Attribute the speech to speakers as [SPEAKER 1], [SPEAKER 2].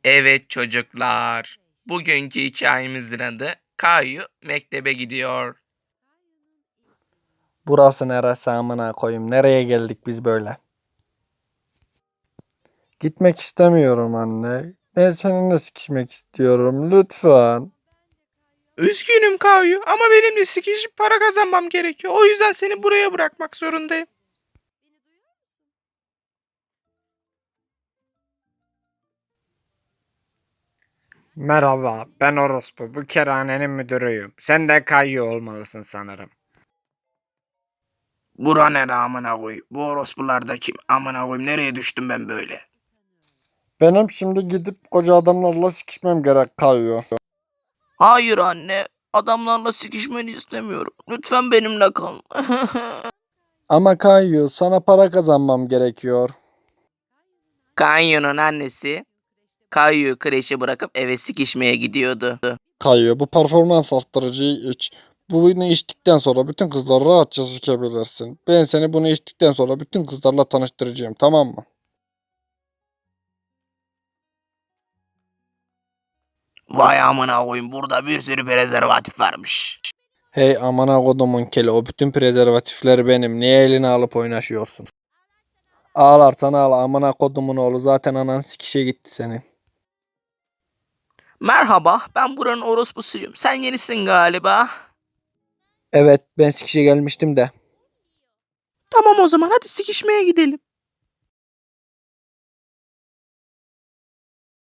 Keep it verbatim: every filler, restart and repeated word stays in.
[SPEAKER 1] Evet çocuklar. Bugünkü hikayemizin adı Kayu mektebe gidiyor.
[SPEAKER 2] Burası neresi amına koyayım? Nereye geldik biz böyle? Gitmek istemiyorum anne. Ben seninle sikişmek istiyorum. Lütfen.
[SPEAKER 1] Üzgünüm Kayu ama benim de sikişip para kazanmam gerekiyor. O yüzden seni buraya bırakmak zorundayım.
[SPEAKER 3] Merhaba, ben Orospu. Bu kerhanenin müdürüyüm. Sen de Kayyu olmalısın sanırım.
[SPEAKER 1] Bura ne amına koy? Bu orospular da kim? Amına koyayım nereye düştüm ben böyle?
[SPEAKER 2] Benim şimdi gidip koca adamlarla sikişmem gerek kayıyor.
[SPEAKER 1] Hayır anne. Adamlarla sikişmeni istemiyorum. Lütfen benimle kal.
[SPEAKER 2] Ama kayıyor. Sana para kazanmam gerekiyor.
[SPEAKER 1] Kayu'nun annesi Kayu'yu kreşe bırakıp eve sikişmeye gidiyordu.
[SPEAKER 2] Kayıyor. Bu performans arttırıcıyı iç. Bunu içtikten sonra bütün kızlar rahatça sikebilirsin. Ben seni bunu içtikten sonra bütün kızlarla tanıştıracağım, tamam mı?
[SPEAKER 1] Vay amına koyayım burada bir sürü prezervatif varmış.
[SPEAKER 2] Hey amına kodumun keli, o bütün prezervatifleri benim. Niye eline alıp oynaşıyorsun? Ağlarsan ağla amına kodumun oğlu, zaten anan sikişe gitti senin.
[SPEAKER 1] Merhaba, ben buranın orospusuyum. Sen yenisin galiba.
[SPEAKER 2] Evet, ben sikişe gelmiştim de.
[SPEAKER 1] Tamam o zaman hadi sikişmeye gidelim.